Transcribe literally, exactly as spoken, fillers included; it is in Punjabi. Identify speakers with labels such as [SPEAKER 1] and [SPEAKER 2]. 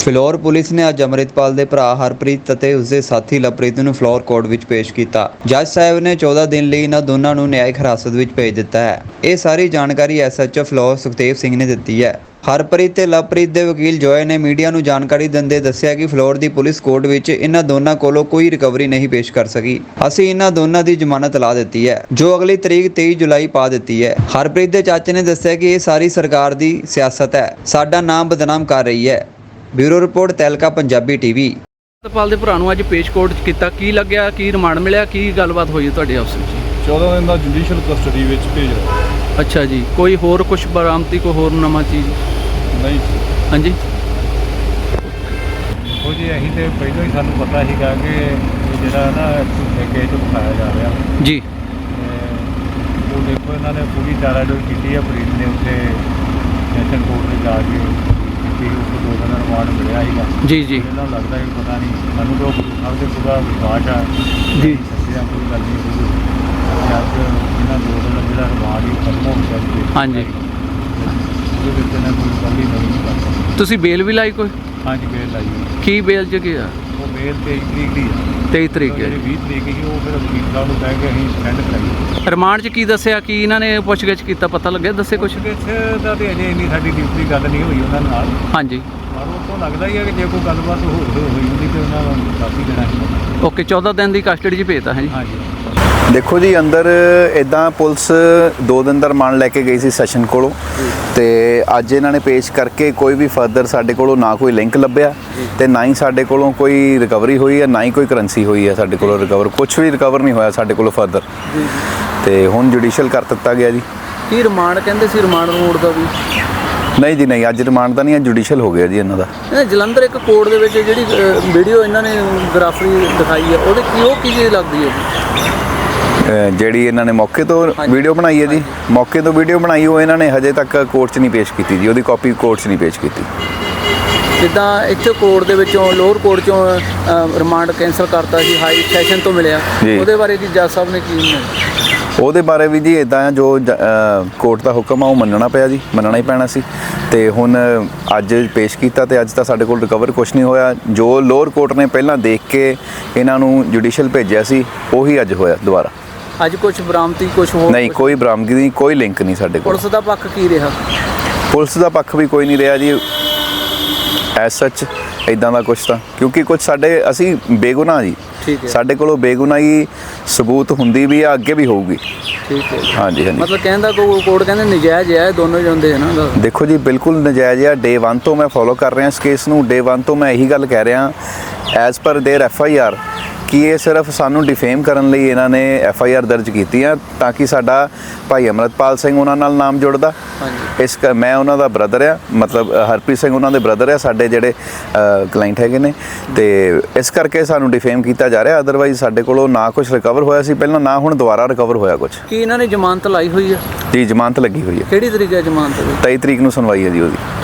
[SPEAKER 1] ਫਿਲੌਰ ਪੁਲਿਸ ਨੇ ਅੱਜ ਅੰਮ੍ਰਿਤਪਾਲ ਦੇ ਭਰਾ ਹਰਪ੍ਰੀਤ ਅਤੇ ਉਸਦੇ ਸਾਥੀ ਲਵਪ੍ਰੀਤ ਨੂੰ ਫਿਲੌਰ ਕੋਰਟ ਵਿੱਚ ਪੇਸ਼ ਕੀਤਾ। ਜੱਜ ਸਾਹਿਬ ਨੇ ਚੌਦਾਂ ਦਿਨ ਲਈ ਇਹਨਾਂ ਦੋਨਾਂ ਨੂੰ ਨਿਆਇਕ ਹਿਰਾਸਤ ਵਿੱਚ ਭੇਜ ਦਿੱਤਾ ਹੈ। ਇਹ ਸਾਰੀ ਜਾਣਕਾਰੀ S H O Phillaur Sukhdev Singh ਨੇ ਦਿੱਤੀ ਹੈ। ਹਰਪ੍ਰੀਤ ਤੇ ਲਵਪ੍ਰੀਤ ਦੇ ਵਕੀਲ ਜੋਏ ਨੇ ਮੀਡੀਆ ਨੂੰ ਜਾਣਕਾਰੀ ਦਿੰਦੇ ਦੱਸਿਆ ਕਿ ਫਿਲੌਰ ਦੀ ਪੁਲਿਸ ਕੋਰਟ ਵਿੱਚ ਇਹਨਾਂ ਦੋਨਾਂ ਕੋਲੋਂ ਕੋਈ ਰਿਕਵਰੀ ਨਹੀਂ ਪੇਸ਼ ਕਰ ਸਕੀ। ਅਸੀਂ ਇਹਨਾਂ ਦੋਨਾਂ ਦੀ ਜ਼ਮਾਨਤ ਲਾ ਦਿੱਤੀ ਹੈ, ਜੋ ਅਗਲੀ ਤਰੀਕ ਤੇਈ ਜੁਲਾਈ ਪਾ ਦਿੱਤੀ ਹੈ। ਹਰਪ੍ਰੀਤ ਦੇ ਚਾਚੇ ਨੇ ਦੱਸਿਆ ਕਿ ਇਹ ਸਾਰੀ ਸਰਕਾਰ ਦੀ ਸਿਆਸਤ ਹੈ, ਸਾਡਾ ਨਾਮ ਬਦਨਾਮ ਕਰ ਰਹੀ ਹੈ। Bureau report Tehelka Punjabi TV.
[SPEAKER 2] Amritpal ਦੇ ਭਰਾ ਨੂੰ ਅੱਜ ਪੇਸ਼ ਕੋਰਟ 'ਚ ਕੀਤਾ, ਕੀ ਲੱਗਿਆ, ਕੀ ਰਿਮਾਂਡ ਮਿਲਿਆ, ਕੀ ਗੱਲਬਾਤ ਹੋਈ ਤੁਹਾਡੇ ਆਪਸ ਵਿੱਚ?
[SPEAKER 3] ਚੌਦਾਂ ਦਿਨ ਦਾ ਜੁਡੀਸ਼ੀਅਲ ਕਸਟਡੀ ਵਿੱਚ ਭੇਜ ਰਿਹਾ।
[SPEAKER 2] ਅੱਛਾ ਜੀ, ਕੋਈ ਹੋਰ ਕੁਝ ਬਰਾਮਦੀ, ਕੋਈ ਹੋਰ ਨਵਾਂ ਚੀਜ਼?
[SPEAKER 3] ਨਹੀਂ
[SPEAKER 2] ਹਾਂਜੀ,
[SPEAKER 4] ਦੇਖੋ ਜੀ, ਅਸੀਂ ਤੇ ਪਹਿਲਾਂ ਹੀ ਸਾਨੂੰ ਪਤਾ ਸੀਗਾ ਕਿ ਇਹ ਜਿਹੜਾ ਨਾ ਕੇਸ ਉਠਾਇਆ ਜਾ ਰਿਹਾ
[SPEAKER 2] ਜੀ।
[SPEAKER 4] ਤੇ ਉਹ ਦੇਖੋ ਇਹਨਾਂ ਨੇ ਪੂਰੀ ਚਾਰਾਜੋਈ ਕੀਤੀ ਹੈ। ਫਰੀਦ ਨੇ ਉੱਥੇ ਸੈਸ਼ਨ ਕੋਰਟ 'ਤੇ ਜਾ ਕੇ ਕੀਤੀ, ਉਸ ਤੋਂ ਦੋ ਦਿਨ ਦਾ ਰਿਮਾਂਡ ਮਿਲਿਆ ਸੀਗਾ।
[SPEAKER 2] ਜੀ ਜੀ
[SPEAKER 4] ਇਹਨਾਂ ਨੂੰ ਲੱਗਦਾ ਕਿ ਪਤਾ ਨਹੀਂ, ਸਾਨੂੰ ਤਾਂ ਗੁਰੂ ਸਾਹਿਬ ਦੇ ਪੂਰਾ ਵਿਸ਼ਵਾਸ ਆ
[SPEAKER 2] ਜੀ,
[SPEAKER 4] ਸੱਚਿਆ ਕੋਈ ਗੱਲ ਨਹੀਂ ਹੋਊਗੀ। ਅੱਜ ਇਹਨਾਂ ਦੋ ਦਿਨ ਦਾ ਜਿਹੜਾ ਰਿਮਾਂਡ ਹੀ ਖਤਮ ਹੋ ਗਿਆ ਸੀ।
[SPEAKER 2] ਹਾਂਜੀ,
[SPEAKER 4] ਉਹਦੇ ਵਿੱਚ ਇਹਨਾਂ ਕੋਈ ਰਿਕਵਰੀ ਨਹੀਂ ਕਰ ਸਕਦਾ।
[SPEAKER 2] ਤੁਸੀਂ ਬੇਲ ਵੀ ਲਾਈ ਕੋਈ?
[SPEAKER 4] ਹਾਂਜੀ, ਬੇਲ ਲਾਈ ਹੋਈ।
[SPEAKER 2] ਕੀ ਬੇਲ 'ਚ ਗਿਆ?
[SPEAKER 4] ਉਹ ਬੇਲ ਤੇਈ ਤਰੀਕ ਦੀ ਆ।
[SPEAKER 2] ਤੇਈ ਤਰੀਕ ਹੈ।
[SPEAKER 4] ਜਿਹੜੀ ਵੀਹ ਤਰੀਕ ਸੀ ਉਹ ਫਿਰ ਵਕੀਲ ਸਾਹਿਬ ਨੂੰ ਕਹਿ ਕੇ ਅਸੀਂ ਸਟੈਂਡ ਕਰਾਈ।
[SPEAKER 2] ਰਿਮਾਂਡ 'ਚ ਕੀ ਦੱਸਿਆ, ਕੀ ਇਹਨਾਂ ਨੇ ਪੁੱਛਗਿੱਛ ਕੀਤਾ, ਪਤਾ ਲੱਗਿਆ? ਦੱਸੇ ਕੁਛ?
[SPEAKER 4] ਪੁੱਛਗਿੱਛ ਦਾ ਤੇ ਅਜੇ ਇੰਨੀ ਸਾਡੀ ਡਿਊਟੀ ਗੱਲ ਨਹੀਂ ਹੋਈ ਉਹਨਾਂ ਨਾਲ,
[SPEAKER 2] ਹਾਂਜੀ,
[SPEAKER 4] ਪਰ ਉਹ ਤੋਂ ਲੱਗਦਾ ਹੀ ਹੈ ਕਿ ਜੇ ਕੋਈ ਗੱਲਬਾਤ ਹੋ ਹੋਈ ਹੁੰਦੀ ਤੇ ਉਹਨਾਂ ਨੂੰ ਕਾਫੀ ਦੇਣਾ ਸੀ।
[SPEAKER 2] ਓਕੇ, ਚੌਦਾਂ ਦਿਨ ਦੀ ਕਸਟਡੀ 'ਚ ਭੇਜਤਾ ਹੈ ਜੀ।
[SPEAKER 4] ਹਾਂਜੀ,
[SPEAKER 5] ਦੇਖੋ ਜੀ, ਅੰਦਰ ਇੱਦਾਂ ਪੁਲਿਸ ਦੋ ਦਿਨ ਦਾ ਰਿਮਾਂਡ ਲੈ ਕੇ ਗਈ ਸੀ ਸੈਸ਼ਨ ਕੋਲੋਂ, ਤੇ ਅੱਜ ਇਹਨਾਂ ਨੇ ਪੇਸ਼ ਕਰਕੇ ਕੋਈ ਵੀ ਫਰਦਰ ਸਾਡੇ ਕੋਲੋਂ ਨਾ ਕੋਈ ਲਿੰਕ ਲੱਭਿਆ ਤੇ ਨਾ ਹੀ ਸਾਡੇ ਕੋਲੋਂ ਕੋਈ ਰਿਕਵਰੀ ਹੋਈ ਹੈ, ਨਾ ਹੀ ਕੋਈ ਕਰੰਸੀ ਹੋਈ ਹੈ ਸਾਡੇ ਕੋਲੋਂ ਰਿਕਵਰ। ਕੁਝ ਵੀ ਰਿਕਵਰ ਨਹੀਂ ਹੋਇਆ ਸਾਡੇ ਕੋਲੋਂ ਫਰਦਰ, ਤੇ ਹੁਣ ਜੁਡੀਸ਼ੀਅਲ ਕਰ ਦਿੱਤਾ ਗਿਆ ਜੀ।
[SPEAKER 2] ਕੀ ਰਿਮਾਂਡ ਕਹਿੰਦੇ ਸੀ? ਰਿਮਾਂਡ ਰੋਡ ਦਾ ਵੀ
[SPEAKER 5] ਨਹੀਂ ਜੀ, ਨਹੀਂ, ਅੱਜ ਰਿਮਾਂਡ ਦਾ ਨਹੀਂ, ਅੱਜ ਜੁਡੀਸ਼ੀਅਲ ਹੋ ਗਿਆ ਜੀ ਇਹਨਾਂ ਦਾ।
[SPEAKER 2] ਇਹ ਜਲੰਧਰ ਇੱਕ ਕੋਰਟ ਦੇ ਵਿੱਚ ਜਿਹੜੀ ਵੀਡੀਓ ਇਹਨਾਂ ਨੇ ਗ੍ਰਾਫਰੀ ਦਿਖਾਈ ਹੈ, ਉਹਦੇ ਕੀ ਉਹ ਕੀ ਚੀਜ਼ ਲੱਗਦੀ ਹੈ?
[SPEAKER 5] ਜਿਹੜੀ ਇਹਨਾਂ ਨੇ ਮੌਕੇ ਤੋਂ ਵੀਡੀਓ ਬਣਾਈ ਹੈ ਜੀ, ਮੌਕੇ ਤੋਂ ਵੀਡੀਓ ਬਣਾਈ, ਉਹ ਇਹਨਾਂ ਨੇ ਹਜੇ ਤੱਕ ਕੋਰਟ 'ਚ ਨਹੀਂ ਪੇਸ਼ ਕੀਤੀ ਜੀ। ਉਹਦੀ ਕਾਪੀ ਕੋਰਟ 'ਚ ਨਹੀਂ ਪੇਸ਼ ਕੀਤੀ।
[SPEAKER 2] ਜਿੱਦਾਂ ਇੱਥੇ ਕੋਰਟ ਦੇ ਵਿੱਚੋਂ ਲੋਅਰ ਕੋਰਟ 'ਚੋਂ ਰਿਮਾਂਡ ਕੈਂਸਲ ਕਰਤਾ ਸੀ, ਹਾਈ ਸੈਸ਼ਨ ਤੋਂ ਮਿਲਿਆ, ਉਹਦੇ ਬਾਰੇ ਕੀ ਜੱਜ ਸਾਹਿਬ ਨੇ ਕੀ?
[SPEAKER 5] ਉਹਦੇ ਬਾਰੇ ਵੀ ਜੀ ਇੱਦਾਂ ਜੋ ਕੋਰਟ ਦਾ ਹੁਕਮ ਆ ਉਹ ਮੰਨਣਾ ਪਿਆ ਜੀ, ਮੰਨਣਾ ਹੀ ਪੈਣਾ ਸੀ। ਤੇ ਹੁਣ ਅੱਜ ਪੇਸ਼ ਕੀਤਾ ਤੇ ਅੱਜ ਤਾਂ ਸਾਡੇ ਕੋਲ ਰਿਕਵਰ ਕੁਛ ਨਹੀਂ ਹੋਇਆ। ਜੋ ਲੋਅਰ ਕੋਰਟ ਨੇ ਪਹਿਲਾਂ ਦੇਖ ਕੇ ਇਹਨਾਂ ਨੂੰ ਜੁਡੀਸ਼ੀਅਲ ਭੇਜਿਆ ਸੀ, ਉਹੀ ਅੱਜ ਹੋਇਆ ਦੁਬਾਰਾ।
[SPEAKER 2] ਅੱਜ ਕੁਝ ਬਰਾਮਦੀ, ਕੁਝ ਹੋਰ
[SPEAKER 5] ਨਹੀਂ, ਕੋਈ ਬਰਾਮਦਗੀ ਨਹੀਂ, ਕੋਈ ਲਿੰਕ ਨਹੀਂ ਸਾਡੇ ਕੋਲ।
[SPEAKER 2] ਪੁਲਿਸ ਦਾ ਪੱਖ ਕੀ ਰਿਹਾ?
[SPEAKER 5] ਪੁਲਿਸ ਦਾ ਪੱਖ ਵੀ ਕੋਈ ਨਹੀਂ ਰਿਹਾ ਜੀ ਐਸ ਸੱਚ ਇੱਦਾਂ ਦਾ ਕੁਛ ਤਾਂ, ਕਿਉਂਕਿ ਕੁਝ ਸਾਡੇ ਅਸੀਂ ਬੇਗੁਨਾਹ ਜੀ, ਸਾਡੇ ਕੋਲੋਂ ਬੇਗੁਨਾਹੀ ਸਬੂਤ ਹੁੰਦੀ ਵੀ ਆ, ਅੱਗੇ ਵੀ ਹੋਊਗੀ।
[SPEAKER 2] ਠੀਕ ਹੈ,
[SPEAKER 5] ਹਾਂਜੀ ਹਾਂਜੀ।
[SPEAKER 2] ਮਤਲਬ ਕਹਿੰਦਾ ਕੋਰਟ ਕਹਿੰਦੇ ਨਜਾਇਜ਼ ਹੈ, ਦੋਨੋਂ ਜਾਂਦੇ ਹੈ ਨਾ।
[SPEAKER 5] ਦੇਖੋ ਜੀ, ਬਿਲਕੁਲ ਨਜਾਇਜ਼ ਆ। ਡੇ ਵਨ ਤੋਂ ਮੈਂ ਫੋਲੋ ਕਰ ਰਿਹਾ ਇਸ ਕੇਸ ਨੂੰ। ਡੇ ਵਨ ਤੋਂ ਮੈਂ ਇਹੀ ਗੱਲ ਕਹਿ ਰਿਹਾ as per there F I R ਕਿ ਇਹ ਸਿਰਫ ਸਾਨੂੰ ਡਿਫੇਮ ਕਰਨ ਲਈ ਇਹਨਾਂ ਨੇ ਐਫ ਆਈ ਆਰ ਦਰਜ ਕੀਤੀ ਆ, ਤਾਂ ਕਿ ਸਾਡਾ ਭਾਈ ਅੰਮ੍ਰਿਤਪਾਲ ਸਿੰਘ ਉਹਨਾਂ ਨਾਲ ਨਾਮ ਜੁੜਦਾ। ਇਸ ਮੈਂ ਉਹਨਾਂ ਦਾ ਬ੍ਰਦਰ ਆ, ਮਤਲਬ ਹਰਪ੍ਰੀਤ ਸਿੰਘ ਉਹਨਾਂ ਦੇ ਬ੍ਰਦਰ ਆ, ਸਾਡੇ ਜਿਹੜੇ ਕਲਾਇੰਟ ਹੈਗੇ ਨੇ, ਤੇ ਇਸ ਕਰਕੇ ਸਾਨੂੰ ਡਿਫੇਮ ਕੀਤਾ ਜਾ ਰਿਹਾ। ਅਦਰਵਾਈਜ਼ ਸਾਡੇ ਕੋਲੋਂ ਨਾ ਕੁਝ ਰਿਕਵਰ ਹੋਇਆ ਸੀ ਪਹਿਲਾਂ, ਨਾ ਹੁਣ ਦੁਬਾਰਾ ਰਿਕਵਰ ਹੋਇਆ ਕੁਝ।
[SPEAKER 2] ਕੀ ਇਹਨਾਂ ਨੇ ਜ਼ਮਾਨਤ ਲਾਈ ਹੋਈ ਹੈ?
[SPEAKER 5] ਜੀ, ਜ਼ਮਾਨਤ ਲੱਗੀ ਹੋਈ ਹੈ।
[SPEAKER 2] ਕਿਹੜੀ ਤਰੀਕ ਹੈ ਜ਼ਮਾਨਤ ਦੀ?
[SPEAKER 5] ਤੇਈ ਤਰੀਕ ਨੂੰ ਸੁਣਵਾਈ ਹੈ ਜੀ ਉਹਦੀ।